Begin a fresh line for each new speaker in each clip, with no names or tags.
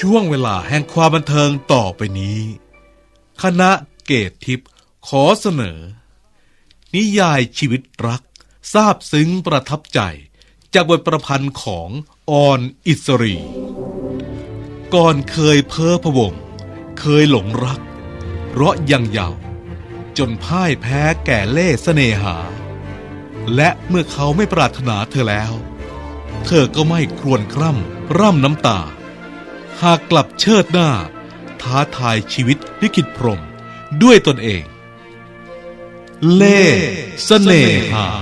ช่วงเวลาแห่งความบันเทิงต่อไปนี้คณะเกตทิพย์ขอเสนอนิยายชีวิตรักซาบซึ้งประทับใจจากบทประพันธ์ของออนอิสรีก่อนเคยเพ้อพะวงเคยหลงรักเราะยังเยาว์จนพ่ายแพ้แก่เล่ห์เสน่หาและเมื่อเขาไม่ปรารถนาเธอแล้วเธอก็ไม่ครวญคร่ำร่ำน้ำตาหากกลับเชิดหน้าท้าทายชีวิตลิขิตพรหมด้วยตนเองเล่ห์เสน่หา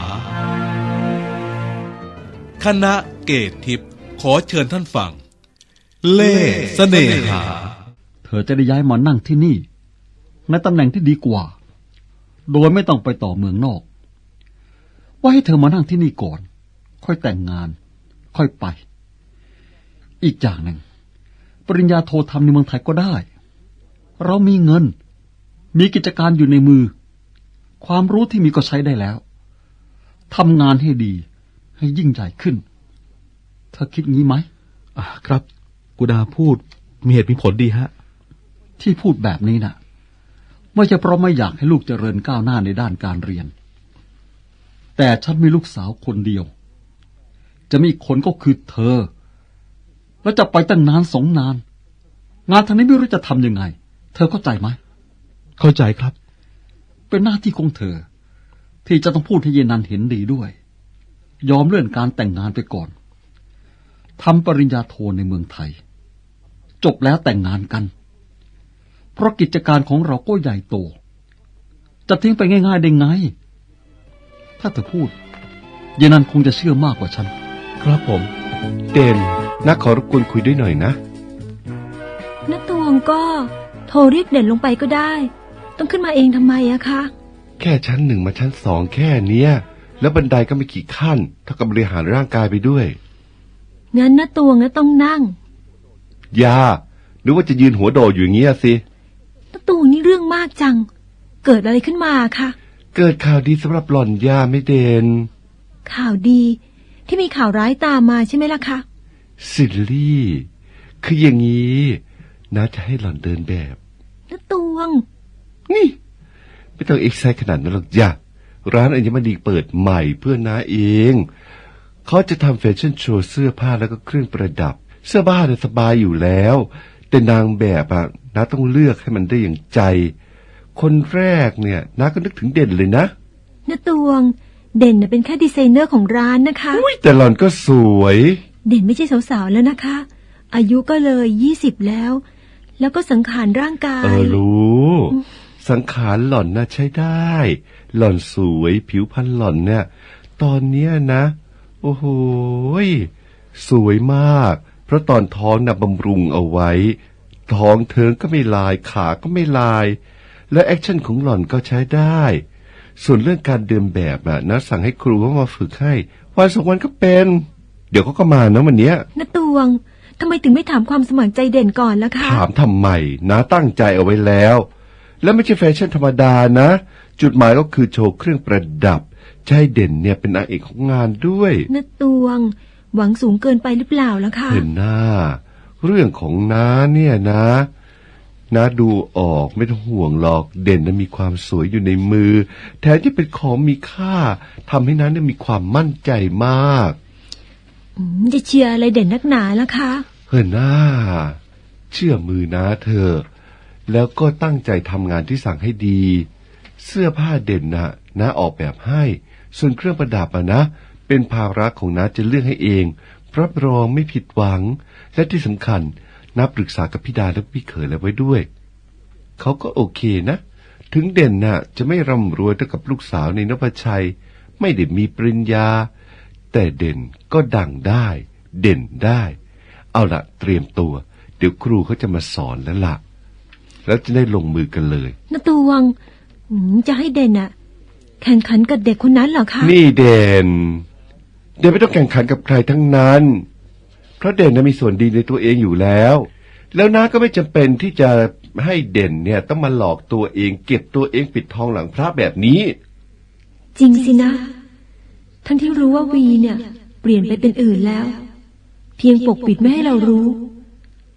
คณะเกตทิพย์ขอเชิญท่านฟังเล่ห์เสน่หา
เธอจะได้ย้ายมานั่งที่นี่ในตำแหน่งที่ดีกว่าโดยไม่ต้องไปต่อเมืองนอกว่าให้เธอมานั่งที่นี่ก่อนค่อยแต่งงานค่อยไปอีกอย่างหนึ่งปริญญาโททำในเมืองไทยก็ได้เรามีเงินมีกิจการอยู่ในมือความรู้ที่มีก็ใช้ได้แล้วทำงานให้ดีให้ยิ่งใหญ่ขึ้นเธอคิดงี้ไหม
ครับกุดาพูดมีเหตุมีผลดีฮะ
ที่พูดแบบนี้น่ะไม่ใช่เพราะไม่อยากให้ลูกเจริญก้าวหน้าในด้านการเรียนแต่ฉันมีลูกสาวคนเดียวจะมีอีกคนก็คือเธอแล้วจะไปตั้งนาน2 นานงานทางนี้ไม่รู้จะทำยังไงเธอเข้าใจไหม
เข้าใจครับ
เป็นหน้าที่ของเธอที่จะต้องพูดให้เยนันเห็นดีด้วยยอมเลื่อนการแต่งงานไปก่อนทำปริญญาโทในเมืองไทยจบแล้วแต่งงานกันเพราะกิจการของเราก็ใหญ่โตจะทิ้งไปง่ายๆได้ไงถ้าเธอพูดเยนันคงจะเชื่อมากกว่าฉัน
ครับผม
เด่นนักขอรบกวนคุยด้วยหน่อยนะ
ณตวงก็โทรเรียกเด่นลงไปก็ได้ต้องขึ้นมาเองทำไมอะคะ
แค่ชั้น 1มาชั้น 2แค่เนี้ยแล้วบันไดก็ไม่กี่ขั้นเท่ากับบริหารร่างกายไปด้วย
งั้นณตวงต้องนั่ง
อย่าหรือว่าจะยืนหัวโดดอยู่อย่างเงี้ยสิ
ณตวงนี่เรื่องมากจังเกิดอะไรขึ้นมาคะ
เกิดข่าวดีสำหรับหล่อนย่าไม่เด่น
ข่าวดีที่มีข่าวร้ายตามมาใช่ไหมล่ะคะ
ซิลลี่คืออย่างนี้น้าจะให้หล่อนเดินแบบ
ณตวง
นี่ไม่ต้องเอ็กไซต์ขนาดนั้นหรอกจ้ะร้านอัญมณีเปิดใหม่เพื่อน้าเองเขาจะทำแฟชั่นโชว์เสื้อผ้าแล้วก็เครื่องประดับเสื้อผ้าเนี่ยสบายอยู่แล้วแต่นางแบบอะน้าต้องเลือกให้มันได้อย่างใจคนแรกเนี่ยน้าก็นึกถึงเด่นเลยนะ
ณตวงเด่นเป็นแค่ดีไซเนอร์ของร้านนะคะ
แต่หล่อนก็สวย
เด่นไม่ใช่สาวๆแล้วนะคะอายุก็เลย20แล้วก็สังขารร่างกาย
รู้สังขารหล่อนน่ะใช้ได้หล่อนสวยผิวพรรณหล่อนเนี่ยตอนเนี้ยนะโอ้โหสวยมากเพราะตอนท้องน่ะบำรุงเอาไว้ท้องเทิงก็ไม่ลายขาก็ไม่ลายและแอคชั่นของหล่อนก็ใช้ได้ส่วนเรื่องการเดินแบบนะสั่งให้ครูเขามาฝึกให้วัน2 วันก็เป็นเดี๋ยวเขาก็มานะวันเนี้ย
ณตวงทำไมถึงไม่ถามความสมัครใจเด่นก่อนล่ะคะ
ถามทำไมนะตั้งใจเอาไว้แล้วและไม่ใช่แฟชั่นธรรมดานะจุดหมายก็คือโชว์เครื่องประดับใช่เด่นเนี่ยเป็นนางเอกของงานด้วย
ณตวงหวังสูงเกินไปหรือเปล่าล่ะคะ
เห็นหน้าเรื่องของน้าเนี่ยนะน้าดูออกไม่ต้องห่วงหรอกเด่นนั้นมีความสวยอยู่ในมือแถมที่เป็นของมีค่าทำให้น้าเนี่ยมีความมั่นใจมาก
จะเชียร์อะไรเด่นนักหนาล่ะคะ
เห็นหน้าเชื่อมือน้าเธอแล้วก็ตั้งใจทำงานที่สั่งให้ดีเสื้อผ้าเด่นน้าออกแบบให้ส่วนเครื่องประดับนะเป็นภาระของน้าจะเลือกให้เองรับรองไม่ผิดหวังและที่สำคัญน้าปรึกษากับพี่ดาและพี่เขยแล้วไว้ด้วยเขาก็โอเคนะถึงเด่นจะไม่ร่ำรวยเท่ากับลูกสาวในนพชัยไม่ได้มีปริญญาแต่เด่นก็ดังได้เด่นได้เอาล่ะเตรียมตัวเดี๋ยวครูเขาจะมาสอนแล้วล่ะแล้วจะได้ลงมือกันเลย
ณตวงจะให้เด่นแข่งขันกับเด็กคนนั้นเหรอคะ
นี่เด่นไม่ต้องแข่งขันกับใครทั้งนั้นเพราะเด่นมีส่วนดีในตัวเองอยู่แล้วน้าก็ไม่จำเป็นที่จะให้เด่นเนี่ยต้องมาหลอกตัวเองเก็บตัวเองปิดทองหลังพระแบบนี้
จริงสินะทั้งที่รู้ว่าวีเนี่ยเปลี่ยนไปเป็นอื่นแล้วเพียงปกปิดไม่ให้เรารู้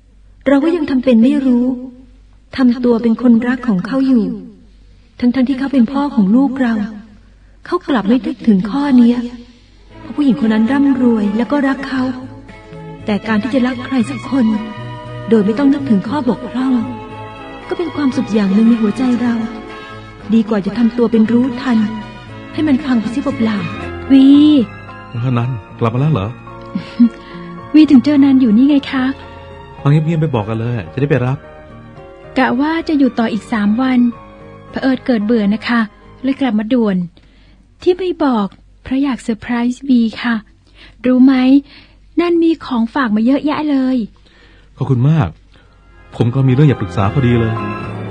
เราก็ยังทำเป็นไม่รู้ทำตัวเป็นคนรักของเขาอยู่ทั้งที่เขาเป็นพ่อของลูกเราเขากลับไม่นึกถึงข้อนี้เพราะผู้หญิงคนนั้นร่ำรวยแล้วก็รักเขาแต่การที่จะรักใครสักคนโดยไม่ต้องนึกถึงข้อบกพร่องก็เป็นความสุขอย่างหนึ่งในหัวใจเราดีกว่าจะทำตัวเป็นรู้ทันให้มันพังไปเสียเปล่าๆวี
นันกลับมาแล้วเหรอ
วีถึงเจอนันอยู่นี่ไงคะ
ฟังเงียบๆไปบอกกันเลยจะได้ไปรับ
กะว่าจะอยู่ต่ออีก3 วันเผอิญเกิดเบื่อนะคะเลยกลับมาด่วนที่ไม่บอกเพราะอยากเซอร์ไพรส์วีค่ะรู้ไหมนันมีของฝากมาเยอะแยะเลย
ขอบคุณมากผมก็มีเรื่องอยากปรึกษาพอดีเลย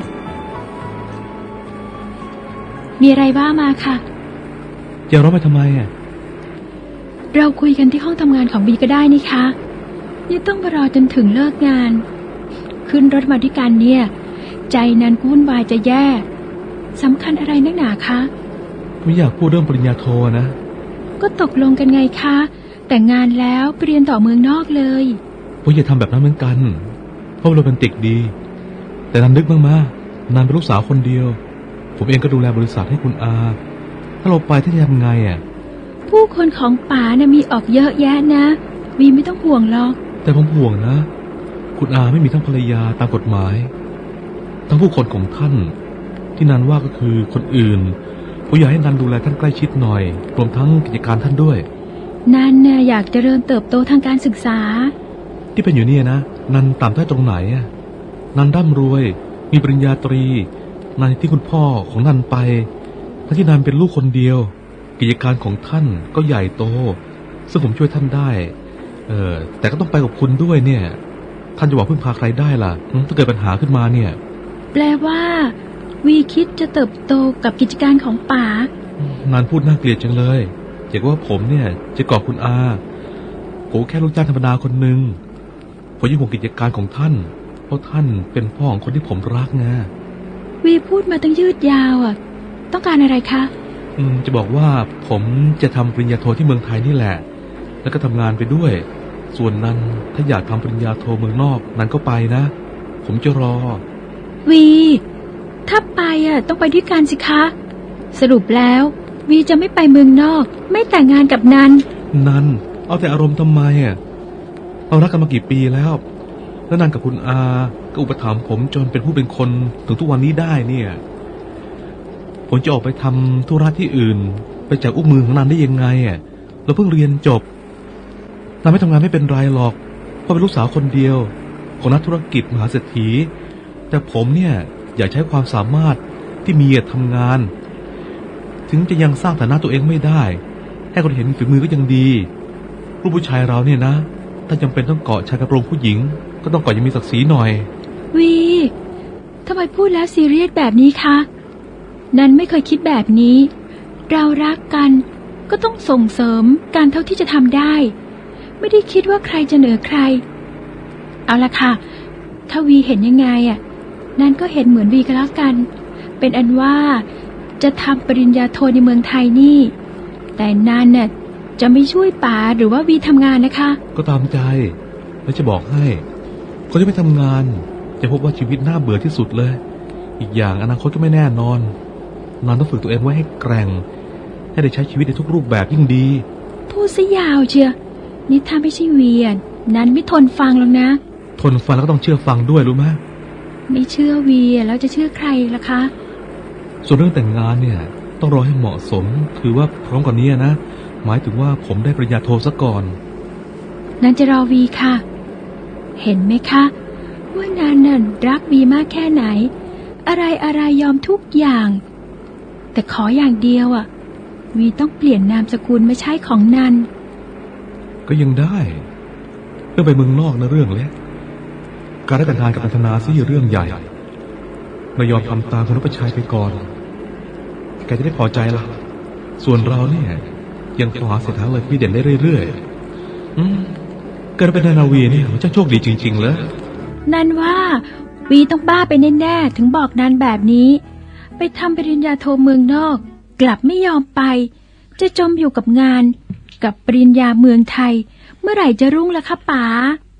มีอะไรบ้ามาค่ะ
จะร้องไปทำไมอ่ะ
เราคุยกันที่ห้องทำงานของบีก็ได้นี่คะนี่ต้องมารอจนถึงเลิกงานขึ้นรถมาด้วยกันเนี่ยใจนันวุ่นวายจะแย่สำคัญอะไรนักหนาคะ
ไม่อยากพูดเรื่องปริญญาโทนะ
ก็ตกลงกันไงคะแต่งงานแล้วไปเรียนต่อเมืองนอกเลย
ผมอย่าทำแบบนั้นเหมือนกันเพราะโรแมนติกดีแต่นันนึกบ้างมานันเป็นลูกสาวคนเดียวผมเองก็ดูแลบริษัทให้คุณอาถ้าเราไปที่จะทำไงอ่ะ
ผู้คนของป๋านะมีออกเยอะแยะนะวีไม่ต้องห่วงหรอก
แต่ผมห่วงนะคุณอาไม่มีทั้งภรรยาตามกฎหมายทั้งผู้คนของท่านที่นันว่าก็คือคนอื่นผมอยากให้นันดูแลท่านใกล้ชิดหน่อยรวมทั้งกิจการท่านด้วย
นันน่ะอยากเจริญเติบโตทางการศึกษา
ที่เป็นอยู่เนี่ยนะนันต่ำได้ตรงไหนอ่ะนันร่ำรวยมีปริญญาตรีนันที่คุณพ่อของนันไปทั้งที่นันเป็นลูกคนเดียวกิจการของท่านก็ใหญ่โตซึ่งผมช่วยท่านได้แต่ก็ต้องไปกับคุณด้วยเนี่ยท่านจะบอกพึ่งพาใครได้ล่ะถ้าเกิดปัญหาขึ้นมาเนี่ย
แปลว่าวีคิดจะเติบโตกับกิจการของป๋า
นันพูดน่าเกลียดจังเลยอยากว่าผมเนี่ยจะกอบคุณอาผมแค่ลูกจ้างธรรมดาคนหนึ่งผมยิ่งห่วงกิจการของท่านเพราะท่านเป็นพ่อของคนที่ผมรักไง
วีพูดมาตั้งยืดยาวอ่ะต้องการอะไรคะ
จะบอกว่าผมจะทำปริญญาโทที่เมืองไทยนี่แหละแล้วก็ทำงานไปด้วยส่วนนั้นถ้าอยากทำปริญญาโทเมืองนอกนั้นก็ไปนะผมจะรอ
วีถ้าไปอ่ะต้องไปด้วยกันสิคะสรุปแล้ววีจะไม่ไปเมืองนอกไม่แต่งงานกับนัน
เอาแต่อารมณ์ทำไมอ่ะเรารักกันมากี่ปีแล้วนันกับคุณอาก็อุปถัมภ์ผมจนเป็นผู้เป็นคนถึงทุกวันนี้ได้เนี่ยผมจะออกไปทำธุระที่อื่นไปจากอุ้งมือของนันได้ยังไงอ่ะเราเพิ่งเรียนจบนันไม่ทำงานไม่เป็นไรหรอกเพราะเป็นลูกสาวคนเดียวของนักธุรกิจมหาเศรษฐีแต่ผมเนี่ยอยากใช้ความสามารถที่มีทำงานถึงจะยังสร้างฐานะตัวเองไม่ได้ให้คนเห็นฝีมือก็ยังดีลูกผู้ชายเราเนี่ยนะถ้าจำเป็นต้องเกาะชายกระโปรงผู้หญิงก็ต้องเกาะยังมีศักดิ์ศรีหน่อย
วีทำไมพูดแล้วซีเรียสแบบนี้คะนันไม่เคยคิดแบบนี้เรารักกันก็ต้องส่งเสริมการเท่าที่จะทำได้ไม่ได้คิดว่าใครจะเหนือใครเอาละค่ะถ้าวีเห็นยังไงอ่ะนันก็เห็นเหมือนวีก็แล้วกันเป็นอันว่าจะทำปริญญาโทในเมืองไทยนี่แต่นันน่ะจะไม่ช่วยป๋าหรือว่าวีทำงานนะคะ
ก็ตามใจแล้วจะบอกให้คนที่ไม่ทำงานจะพบว่าชีวิตน่าเบื่อที่สุดเลยอีกอย่างอนาคตก็ไม่แน่นอนนันต้องฝึกตัวเองไว้ให้แกร่งให้ได้ใช้ชีวิตในทุกรูปแบบยิ่งดี
พูดซะยาวเชียวนี่ถ้าไม่ใช่วีนันไม่ทนฟังหรอกนะ
ทนฟังแล้วก็ต้องเชื่อฟังด้วยรู้ไหม
ไม่เชื่อวีแล้วจะเชื่อใครล่ะคะ
ส่วนเรื่องแต่งงานเนี่ยต้องรอให้เหมาะสมคือว่าพร้อมกว่านี้นะหมายถึงว่าผมได้ปริญญาโทซะก่อน
นันจะรอวีค่ะเห็นไหมคะว่านันน่ะรักวีมากแค่ไหนอะไรยอมทุกอย่างแต่ขออย่างเดียวอ่ะวีต้องเปลี่ยนนามสกุลไม่ใช่ของนัน
ก็ยังได้เรื่องไปเมืองนอกนะเรื่องเล็กการได้แต่งงานกับอัธนาซี่เรื่องใหญ่เรายอมทำตามคุณรัชชัยไปก่อนแกจะได้พอใจละส่วนเราเนี่ยยังพอหาเส้นทางเลยพี่เด่นได้เรื่อยๆการเป็นนาวีเนี่ยจะโชคดีจริงๆเลย
นันว่าวีต้องบ้าไปแน่ๆถึงบอกนันแบบนี้ไปทำปริญญาโทเมืองนอกกลับไม่ยอมไปจะจมอยู่กับงานกับปริญญาเมืองไทยเมื่อไหร่จะรุ่งล่ะคะป๋า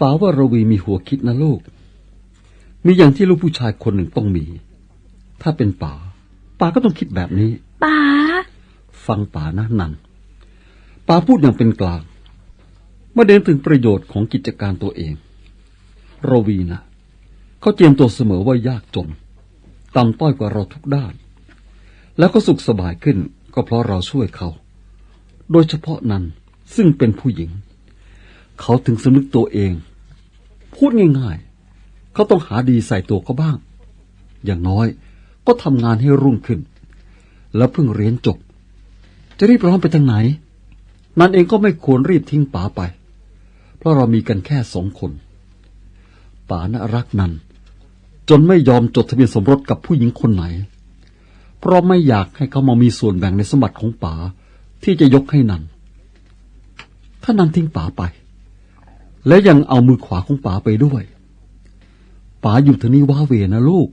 ป๋าว่ารวีมีหัวคิดนะลูก มีอย่างที่ลูกผู้ชายคนหนึ่งต้องมี ถ้าเป็นป๋าก็ต้องคิดแบบนี้
ป๋า
ฟังป๋านะนันป๋าพูดอย่างเป็นกลางไม่เน้นถึงประโยชน์ของกิจการตัวเองรวีนะเขาเจียมตัวเสมอว่ายากจนต่ำต้อยกว่าเราทุกด้าน แล้วก็สุขสบายขึ้นก็เพราะเราช่วยเขา โดยเฉพาะนั้นซึ่งเป็นผู้หญิงเขาถึงสำนึกตัวเองพูดง่ายๆเขาต้องหาดีใส่ตัวเขาบ้างอย่างน้อยก็ทำงานให้รุ่งขึ้นแล้วเพิ่งเรียนจบจะรีบร้อนไปทางไหนนั่นเองก็ไม่ควรรีบทิ้งป๋าไปเพราะเรามีกันแค่2 คนป๋าน่ะรักนันจนไม่ยอมจดทะเบียนสมรสกับผู้หญิงคนไหนเพราะไม่อยากให้เขามามีส่วนแบ่งในสมบัติของป๋าที่จะยกให้นันถ้านันทิ้งป๋าไปและยังเอามือขวาของป๋าไปด้วยป๋าอยู่ที่นี่ว้าเหวนะลูก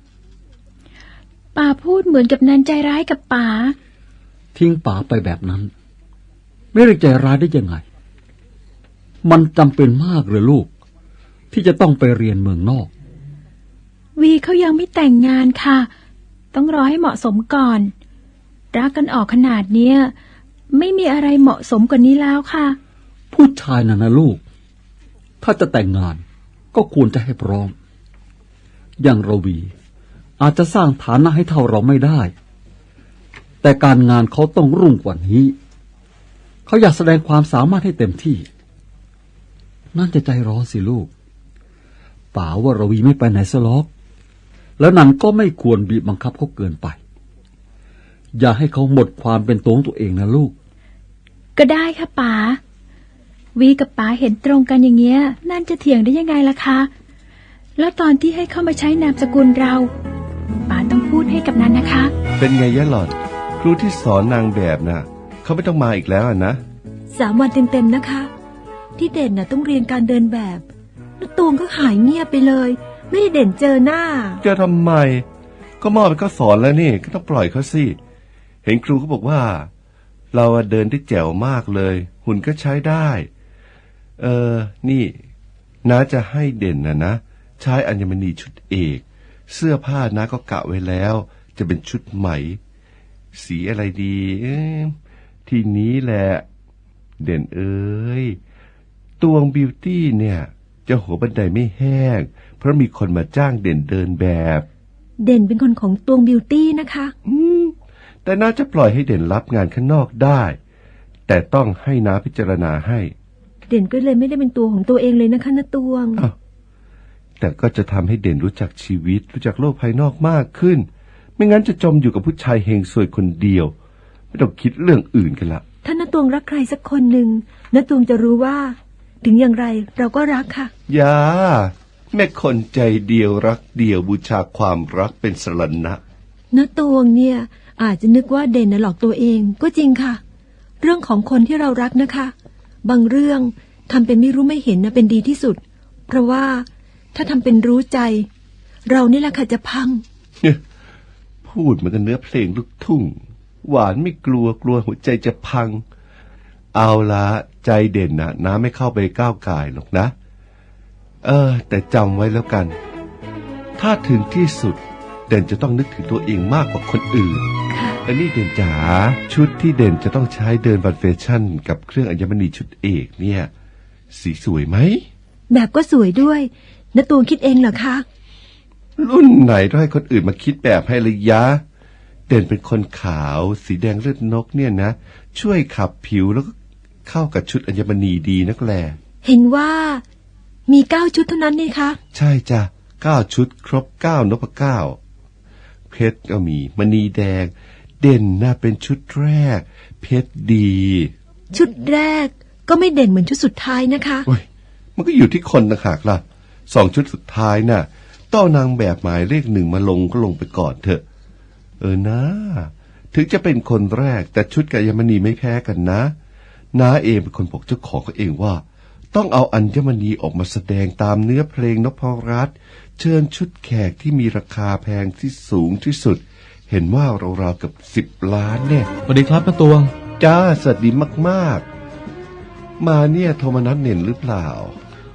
ป๋าพูดเหมือนกับนันใจร้ายกับป๋า
ทิ้งป๋าไปแบบนั้นไม่ได้ใจร้ายได้ยังไงมันจำเป็นมากเลยลูกที่จะต้องไปเรียนเมืองนอก
วีเขายังไม่แต่งงานค่ะต้องรอให้เหมาะสมก่อนรักกันออกขนาดเนี้ยไม่มีอะไรเหมาะสมกว่านี้แล้วค่ะ
ผู้ชายน่ะนะลูกถ้าจะแต่งงานก็ควรจะให้พร้อมอย่างรวีอาจจะสร้างฐานะให้เท่าเราไม่ได้แต่การงานเขาต้องรุ่งกว่านี้เขาอยากแสดงความสามารถให้เต็มที่นั่นจะใจร้อนสิลูกป๋าว่ารวีไม่ไปไหนซะหรอกแล้วนั่นก็ไม่ควรบีบบังคับเขาเกินไปอย่าให้เขาหมดความเป็นตัวของตัวเองนะลูก
ก็ได้ค่ะป๋าวีกับป๋าเห็นตรงกันอย่างเงี้ยนั่นจะเถียงได้ยังไงล่ะคะแล้วตอนที่ให้เข้ามาใช้นามสกุลเราป๋าต้องพูดให้กับนันนะคะ
เป็นไงยะหล่อนครูที่สอนนางแบบน่ะเขาไม่ต้องมาอีกแล้วนะ
3 วันเต็มๆนะคะที่เด่นน่ะต้องเรียนการเดินแบบแล้วตูงก็หายเงียบไปเลยไม่ได้เด่นเจอหน้า
จะทำไมก็มอบให้เขาสอนแล้วนี่ก็ต้องปล่อยเขาสิเห็นครูเขาบอกว่าเราเดินได้แจ๋วมากเลยหุ่นก็ใช้ได้นี่น้าจะให้เด่นนะใช้อัญมณีชุดเอกเสื้อผ้าน้าก็กะไว้แล้วจะเป็นชุดไหมสีอะไรดีทีนี้แหละเด่นเอ้ยตวงบิวตี้เนี่ยจะหัวบันไดไม่แห้งเพราะมีคนมาจ้างเด่นเดินแบบ
เด่นเป็นคนของตวงบิวตี้นะคะ
แต่น่าจะปล่อยให้เด่นรับงานข้างนอกได้แต่ต้องให้น้าพิจารณาให้
เด่นก็เลยไม่ได้เป็นตัวของตัวเองเลยนะคะนะตวง
แต่ก็จะทำให้เด่นรู้จักชีวิตรู้จักโลกภายนอกมากขึ้นไม่งั้นจะจมอยู่กับผู้ชายเฮงซวยคนเดียวไม่ต้องคิดเรื่องอื่นกันละ
ถ้านะตวงรักใครสักคนหนึ่งนะตวงจะรู้ว่าถึงอย่างไรเราก็รักค่ะ
อย่าแม่คนใจเดียวรักเดียวบูชาความรักเป็นสรณะ
นะตวงเนี่ยอาจจะนึกว่าเด่นน่ะหลอกตัวเองก็จริงค่ะเรื่องของคนที่เรารักนะคะบางเรื่องทำเป็นไม่รู้ไม่เห็นนะเป็นดีที่สุดเพราะว่าถ้าทำเป็นรู้ใจเรานี่แหละค่ะจะพัง
พูดเหมือนกันเนื้อเพลงลูกทุ่งหวานไม่กลัวหัวใจจะพังเอาละใจเด่นนะน้าไม่เข้าไปก้าวก่ายหรอกนะแต่จำไว้แล้วกันถ้าถึงที่สุดเด่นจะต้องนึกถึงตัวเองมากกว่าคนอื่นอันนี้เด่นจ๋าชุดที่เด่นจะต้องใช้เดินบันเฟชั่นกับเครื่องอัญมณีชุดเอกเนี่ยสีสวยไหม
แบบก็สวยด้วยนะตูนคิดเองเหรอคะ
รุ่นไหนต้องให้คนอื่นมาคิดแบบให้ระยะเด่นเป็นคนขาวสีแดงเลือดนกเนี่ยนะช่วยขับผิวแล้วก็เข้ากับชุดอัญมณีดีนักแล
เห็นว่ามี9 ชุดเท่านั้นนี่คะ
ใช่จ้ะ9 ชุดครบ9 นพเก้าเพชรก็มีมณีแดงเด่นน่าเป็นชุดแรกเพชรดี
ชุดแรกก็ไม่เด่นเหมือนชุดสุดท้ายนะคะ
โอ้ยมันก็อยู่ที่คนต่างหากล่ะ2 ชุดสุดท้ายน่ะต้องนางแบบหมายเลข1มาลงก็ลงไปก่อนเถอะนะถึงจะเป็นคนแรกแต่ชุดกับอัญมณีไม่แพ้กันนะน้าเองเป็นคนบอกเจ้าของเขาเองว่าต้องเอาอัญมณีออกมาแสดงตามเนื้อเพลงนพรัตน์เชิญชุดแขกที่มีราคาแพงที่สูงที่สุดเห็นว่าราวๆกับ10 ล้านเนี่ย
สวัสดีครับป้าตวง
จ้าสวัสดีมากๆมาเนี่ยโทรมานัดเน่นหรือเปล่า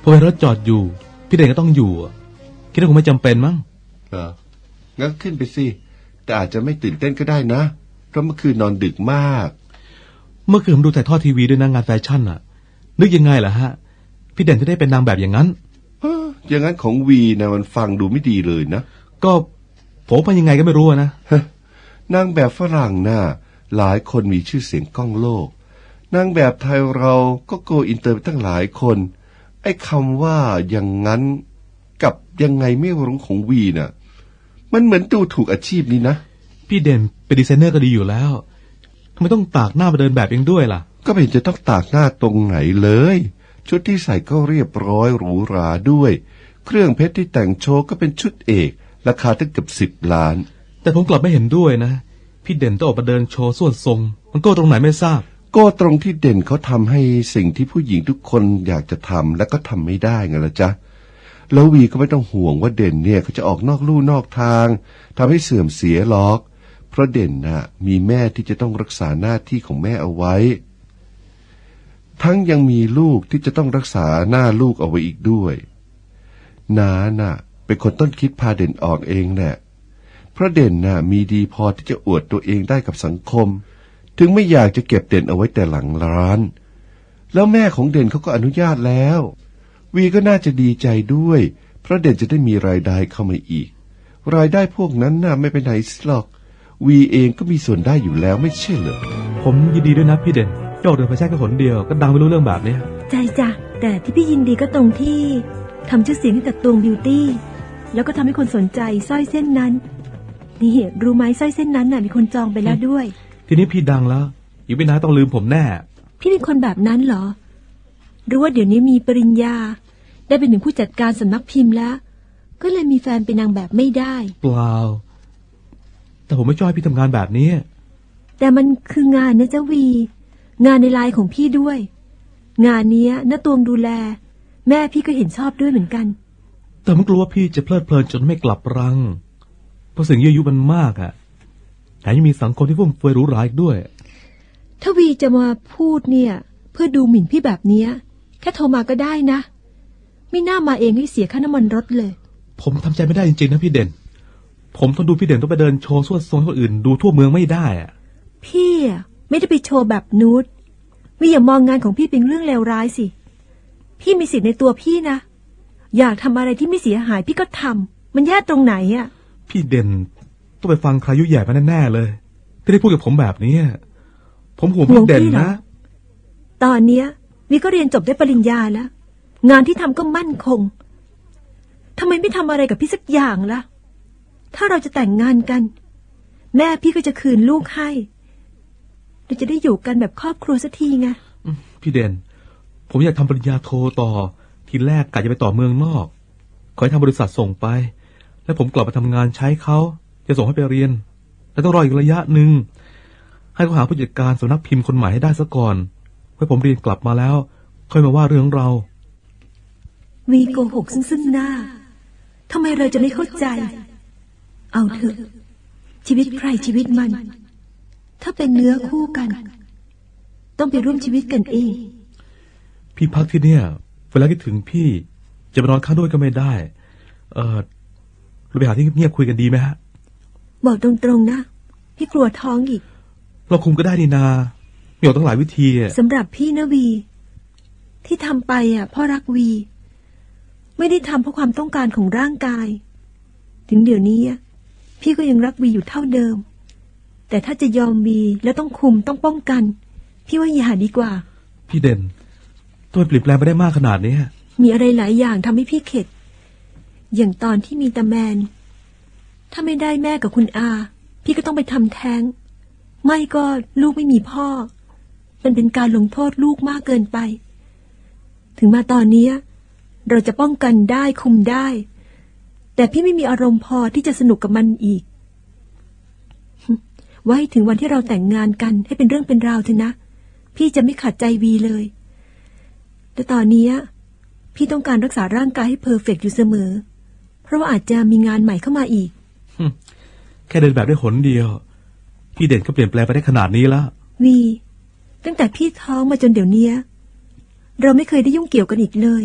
พอเห็นรถจอดอยู่พี่เด่นก็ต้องอยู่อะคิดว่าคงไม่จำเป็นมั้ง
งั้นขึ้นไปสิแต่อาจจะไม่ตื่นเต้นก็ได้นะเพราะเมื่อคืนนอนดึกมาก
เมื่อคืนผมดูถ่ายทอดทีวีด้วยนะงานแฟชั่นอะนึกยังไงล่ะฮะพี่เด่นจะได้เป็นนางแบบอย่างนั้น
อย่างนั้นของวีนะมันฟังดูไม่ดีเลยนะ
ก็ผมไปยังไงก็ไม่รู้อะนะ
นางแบบฝรั่งน่ะหลายคนมีชื่อเสียงก้องโลกนางแบบไทยเราก็โกอินเตอร์ไปตั้งหลายคนไอ้คำว่าอย่างนั้นกับยังไงไม่รู้ของวีน่ะมันเหมือนดูถูกอาชีพนี้นะ
พี่เด่นเป็นดีไซเนอร์ก็ดีอยู่แล้วทำไมต้องตากหน้ามาเดินแบบเองด้วยล่ะ
ก็ไม่เห็นจะต้องตากหน้าตรงไหนเลยชุดที่ใส่ก็เรียบร้อยหรูหราด้วยเครื่องเพชรที่แต่งโชว์ก็เป็นชุดเอกราคาตั้งเกือบ10 ล้าน
แต่ผมกลับไม่เห็นด้วยนะพี่เด่นต้องออกมาเดินโชว์ส่วนทรงมันโก้ตรงไหนไม่ทราบ
ก็ตรงที่เด่นเขาทำให้สิ่งที่ผู้หญิงทุกคนอยากจะทำและก็ทำไม่ได้ไงล่ะจ๊ะแล้ววีก็ไม่ต้องห่วงว่าเด่นเนี่ยเขาจะออกนอกลู่นอกทางทำให้เสื่อมเสียหรอกเพราะเด่นน่ะมีแม่ที่จะต้องรักษาหน้าที่ของแม่เอาไว้ทั้งยังมีลูกที่จะต้องรักษาหน้าลูกเอาไว้อีกด้วยน้าน่ะเป็นคนต้นคิดพาเด่นออกเองแหละเพราะเด่นน่ะมีดีพอที่จะอวดตัวเองได้กับสังคมถึงไม่อยากจะเก็บเด่นเอาไว้แต่หลังร้านแล้วแม่ของเด่นเขาก็อนุญาตแล้ววีก็น่าจะดีใจด้วยเพราะเด่นจะได้มีรายได้เข้ามาอีกรายได้พวกนั้นน่ะไม่ไปไหนหรอกวีเองก็มีส่วนได้อยู่แล้วไม่ใช่เหรอ
ผมยินดีด้วยนะพี่เด่นยอดเดินไปแค่หนเดียวก็ดังไม่รู้เรื่องแบบนี้
ใจจ้ะแต่ที่พี่ยินดีก็ตรงที่ทำชื่อเสียงให้กับตวงบิวตี้แล้วก็ทำให้คนสนใจสร้อยเส้นนั้นนี่รู้ไหมสร้อยเส้นนั้นน่ะมีคนจองไปแล้วด้วย
ทีนี้พี่ดังแล้วอีกไม่นานต้องลืมผมแน่
พี่เป็นคนแบบนั้นเหรอรู้ว่าเดี๋ยวนี้มีปริญญาได้เป็นถึงผู้จัดการสำนักพิมพ์แล้วก็เลยมีแฟนเป็นนางแบบไม่ได้
เปล่าแต่ผมไม่ชอบให้พี่ทำงานแบบนี้
แต่มันคืองานนะเจ้าวีงานในไลน์ของพี่ด้วย งานเนี้ยน้าตวงดูแลแม่พี่ก็เห็นชอบด้วยเหมือนกัน
แต่ผมกลัวว่าพี่จะเพลิดเพลินจนไม่กลับรังเพราะสิ่งยั่วยุมันมากอะแถมยังมีสังคมที่ฟุ่มเฟือยหรูหราอีกด้วย
ถ้าวีจะมาพูดเนี่ยเพื่อดูหมิ่นพี่แบบเนี้ยแค่โทรมาก็ได้นะไม่น่ามาเองให้เสียค่าน้ำมันรถเลย
ผมทำใจไม่ได้จริงๆนะพี่เด่นผมทนดูพี่เด่นต้องไปเดินโชว์สวดทรงให้คนอื่นดูทั่วเมืองไม่ได้อะ
พี่อะไม่ได้ไปโชว์แบบนูดวีอย่ามองงานของพี่เป็นเรื่องเลวร้ายสิพี่มีสิทธิ์ในตัวพี่นะอยากทำอะไรที่ไม่เสียหายพี่ก็ทำมันแย่ตรงไหนอะ
พี่เด่นต้องไปฟังใครยุ่ยแย่มาแน่ๆเลยที่ได้พูดกับผมแบบนี้ผมห่วงพี่เด่นนะ
ตอนเนี้ยวีก็เรียนจบได้ปริญญาแล้วงานที่ทำก็มั่นคงทำไมไม่ทำอะไรกับพี่สักอย่างล่ะถ้าเราจะแต่งงานกันแม่พี่ก็จะคืนลูกให้เราจะได้อยู่กันแบบครอบครัวสักทีไง
พี่เด่นผมอยากทำปริญญาโทต่อทีแรกกะจะไปต่อเมืองนอกขอให้ทางบริษัทส่งไปแล้วผมกลับมาทำงานใช้เขาจะส่งให้ไปเรียนแล้วต้องรออีกระยะหนึ่งให้เขาหาผู้จัดการสำนักพิมพ์คนใหม่ให้ได้ซะก่อนเพื่อผมเรียนกลับมาแล้วค่อยมาว่าเรื่องเรา
วีโกหกซึ่งหน้าทำไมเราจะไม่เข้าใจเอาเถอะชีวิตใครชีวิตมันถ้าเป็นเนื้อคู่กันต้องไปร่วมชีวิตกันเอง
พี่พักที่เนี่ยเวลาคิดถึงพี่จะไปนอนข้างด้วยก็ไม่ได้เราไปหาที่เงียบๆคุยกันดีไหมฮะ
บอกตรงๆนะพี่กลัวท้องอีก
เราคุมก็ได้นี่นามีตั้งหลายวิธีอะ
สำหรับพี่นะวีที่ทำไปเพราะรักวีไม่ได้ทำเพราะความต้องการของร่างกายถึงเดี๋ยวนี้พี่ก็ยังรักวีอยู่เท่าเดิมแต่ถ้าจะยอมวีแล้วต้องคุมต้องป้องกันพี่ว่าอย่าดีกว่า
พี่เด่นตัวเปลี่ยนแปลงไปได้มากขนาดนี้
มีอะไรหลายอย่างทำให้พี่เข็ดอย่างตอนที่มีตาแมนถ้าไม่ได้แม่กับคุณอาพี่ก็ต้องไปทำแท้งไม่ก็ลูกไม่มีพ่อมันเป็นการลงโทษลูกมากเกินไปถึงมาตอนนี้เราจะป้องกันได้คุมได้แต่พี่ไม่มีอารมณ์พอที่จะสนุกกับมันอีกไว้ถึงวันที่เราแต่งงานกันให้เป็นเรื่องเป็นราวเถอะนะพี่จะไม่ขัดใจวีเลยแต่ตอนนี้พี่ต้องการรักษาร่างกายให้เพอร์เฟกต์อยู่เสมอเพราะว่าอาจจะมีงานใหม่เข้ามาอีก
แค่เดินแบบได้หนเดียวพี่เด่นก็เปลี่ยนแปลงไปได้ขนาดนี้แล้ว
วีตั้งแต่พี่ท้องมาจนเดี๋ยวนี้เราไม่เคยได้ยุ่งเกี่ยวกันอีกเลย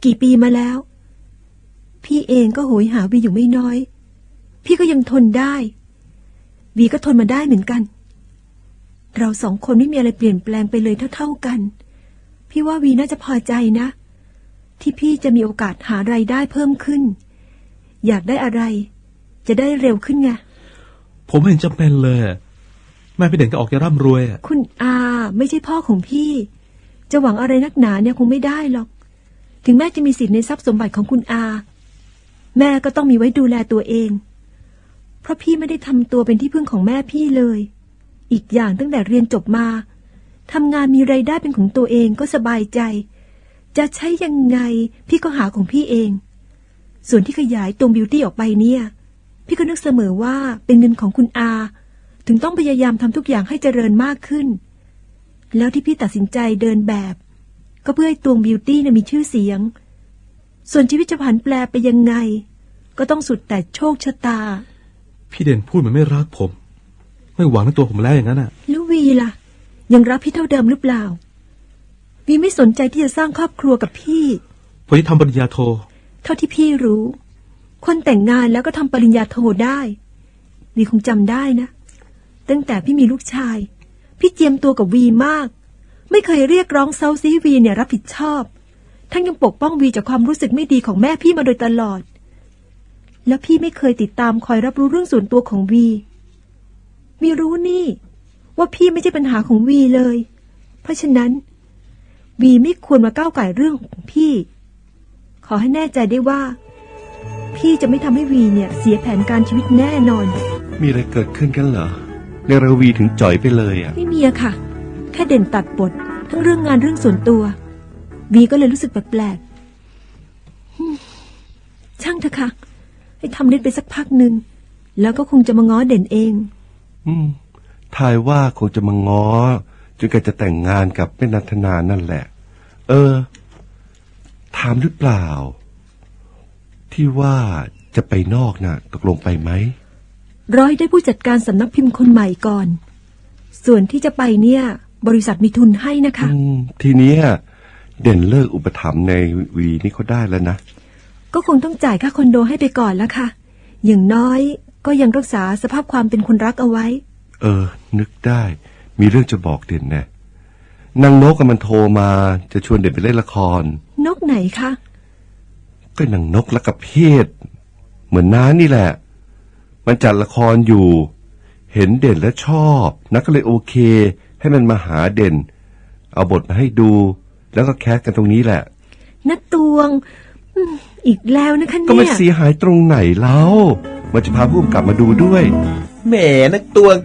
กี่ปีมาแล้ว พี่เองก็โหยหาวีอยู่ไม่น้อย พี่ก็ยังทนได้ วีก็ทนมาได้เหมือนกัน เราสองคนไม่มีอะไรเปลี่ยนแปลงไปเลยเท่าๆกัน พี่ว่าวีน่าจะพอใจนะ ที่พี่จะมีโอกาสหารายได้เพิ่มขึ้น อยากได้อะไร จะได้เร็วขึ้นไง
ผมไม่เห็นจำเป็นเลยแม่พี่เด่นก็ออกจะร่ำรวยอะ
คุณอาไม่ใช่พ่อของพี่ จะหวังอะไรนักหนาเนี่ยคงไม่ได้หรอก ถึงแม่จะมีสิทธิ์ในทรัพย์สมบัติของคุณอา แม่ก็ต้องมีไว้ดูแลตัวเอง เพราะพี่ไม่ได้ทำตัวเป็นที่พึ่งของแม่พี่เลย อีกอย่างตั้งแต่เรียนจบมาทำงานมีรายได้เป็นของตัวเองก็สบายใจ จะใช้ยังไงพี่ก็หาของพี่เอง ส่วนที่ขยายตรงบิวตี้ออกไปเนี่ย พี่ก็นึกเสมอว่าเป็นเงินของคุณอา ถึงต้องพยายามทำทุกอย่างให้เจริญมากขึ้น แล้วที่พี่ตัดสินใจเดินแบบ ก็เพื่อให้ตวงบิวตี้มีชื่อเสียง ส่วนชีวิตจะผันแปรไปยังไง ก็ต้องสุดแต่โชคชะตา
พี่เด่นพูดเหมือนไม่รักผม ไม่หวังในตัวผมแล้วอย่างนั้นอ่ะ
แล้ววีล่ะ ยังรักพี่เท่าเดิมหรือเปล่า วีไม่สนใจที่จะสร้างครอบครัวกับพี่
ผมจะทำปริญญาโท
เท่าที่พี่รู้ คนแต่งงานแล้วก็ทำปริญญาโทได้วีคงจำได้นะ ตั้งแต่พี่มีลูกชาย พี่เจียมตัวกับวีมาก ไม่เคยเรียกร้องเซาซีวีเนี่ยรับผิดชอบทั้งยังปกป้องวีจากความรู้สึกไม่ดีของแม่พี่มาโดยตลอด แล้วพี่ไม่เคยติดตามคอยรับรู้เรื่องส่วนตัวของวีรู้นี่ว่าพี่ไม่ใช่ปัญหาของวีเลย เพราะฉะนั้นวีไม่ควรมาก้าวไก่เรื่องของพี่ ขอให้แน่ใจได้ว่า พี่จะไม่ทำให้วีเนี่ยเสียแผนการชีวิตแน่นอน
มีอะไรเกิดขึ้นกันเหรอในระวีถึงจ่อยไปเลยอ่ะ
ไม่มีอะค่ะ แค่เด่นตัดบททั้งเรื่องงานเรื่องส่วนตัววีก็เลยรู้สึกแปลกๆช่างเถอะค่ะ ให้ทำนิดไปสักพักหนึ่งแล้วก็คงจะมาง้อเด่นเอง
ทายว่าคงจะมาง้อจนแกจะแต่งงานกับแม่นันทนานั่นแหละ ถามหรือเปล่า ที่ว่าจะไปนอกน่ะ ตกลงไปไหม
ร้อยได้ผู้จัดการสำนักพิมพ์คนใหม่ก่อน ส่วนที่จะไปเนี่ย บริษัทมีทุนให้นะคะ
ทีเนี้ยเด่นเลิกอุปถัมภ์ในวีนี่เขาได้แล้วนะ
ก็คงต้องจ่ายค่าคอนโดให้ไปก่อนแล้วค่ะ อย่างน้อยก็ยังรักษาสภาพความเป็นคนรักเอาไว้
นึกได้มีเรื่องจะบอกเด่นนะนางนกมันโทรมาจะชวนเด่นไปเล่นละคร
นกไหนคะ
ก็นางนกและกับเพศเหมือนน้านี่แหละ มันจัดละครอยู่ เห็นเด่นและชอบนักก็เลยโอเค ให้มันมาหาเด่น เอาบทมาให้ดู แล้วก็แคสกันตรงนี้แหละ
นักตวงอีกแล้วนะคะเนี่ย
ก็ไม่เสียหายตรงไหนแล้วมันจะพาผู้กำกับมาดูด้วย
แหมนักตวง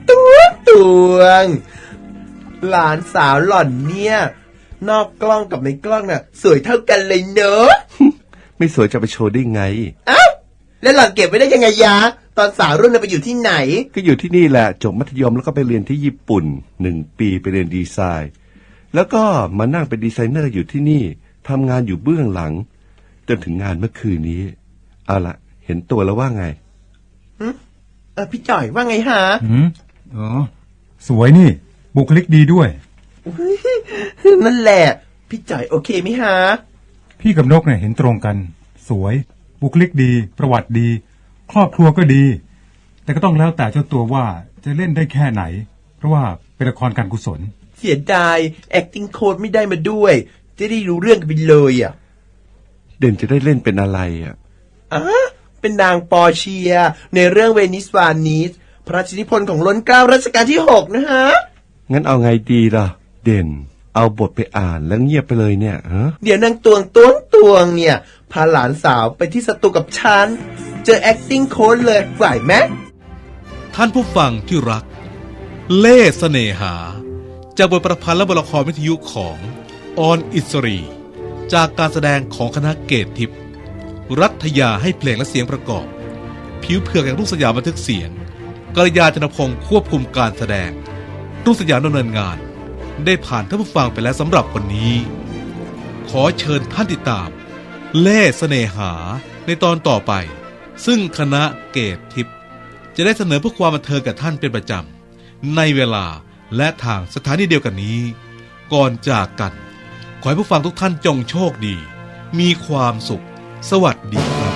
หลานสาวหล่อนเนี่ย นอกกล้องกับในกล้องน่ะ สวยเท่ากันเลยเนอะ
ไม่สวยจะไปโชว์ได้ไง
แล้วหล่อนเก็บไว้ได้ยังไงยะ ตอนสาวรุ่นน่ะไปอยู่ที่ไหน
ก็อยู่ที่นี่แหละจบมัธยมแล้วก็ไปเรียนที่ญี่ปุ่น1 ปีไปเรียนดีไซน์ แล้วก็มานั่งเป็นดีไซเนอร์อยู่ที่นี่ทำงานอยู่เบื้องหลัง จนถึงงานเมื่อคืนนี้เอาละเห็นตัวแล้วว่าไง
พี่จ่อยว่าไงฮะ
สวยนี่ บุคลิกดีด้วย
นั่นแหละ พี่จ่อยโอเคไหมฮะ
พี่กับนกเนี่ยเห็นตรงกัน สวย บุคลิกดี ประวัติดี ครอบครัวก็ดี แต่ก็ต้องแล้วแต่เจ้าตัวว่าจะเล่นได้แค่ไหน เพราะว่าเป็นละครการกุศล
เสียดาย acting coach ไม่ได้มาด้วย จะได้รู้เรื่องกันไปเลยอ่ะ
เด่นจะได้เล่นเป็นอะไรอ่ะ
เป็นนางปอเชีย ในเรื่องเวนิสวานิสพระราชนิพนธ์ของล้นเกล้ารัชกาลที่ 6นะฮะ
งั้นเอาไงดีล่ะ เด่น เอาบทไปอ่านแล้วเงียบไปเลยเนี่ยฮะ
เดี๋ยวนางตวงเนี่ย พาหลานสาวไปที่สตูกับฉัน เจอ acting coach เลยไหวไหม
ท่านผู้ฟังที่รัก เล่ห์เสน่หา จากบทประพันธ์และบทละครวิทยุของออนอิสรี จากการแสดงของคณะเกตทิพย์รัฐยาให้เพลงและเสียงประกอบ ผิวเผือกแห่งรุ่งสยามบันทึกเสียงกัลยาณพงศ์ควบคุมการแสดงรุ่งสยามดำเนินงาน ได้ผ่านท่านผู้ฟังไปแล้วสำหรับวันนี้ ขอเชิญท่านติดตาม เล่ห์เสน่หาในตอนต่อไป ซึ่งคณะเกตทิพย์จะได้เสนอเพื่อความบันเทิงกับท่านเป็นประจำในเวลาและทางสถานีเดียวกันนี้ ก่อนจากกัน ขอให้ผู้ฟังทุกท่านจงโชคดีมีความสุข สวัสดีครับ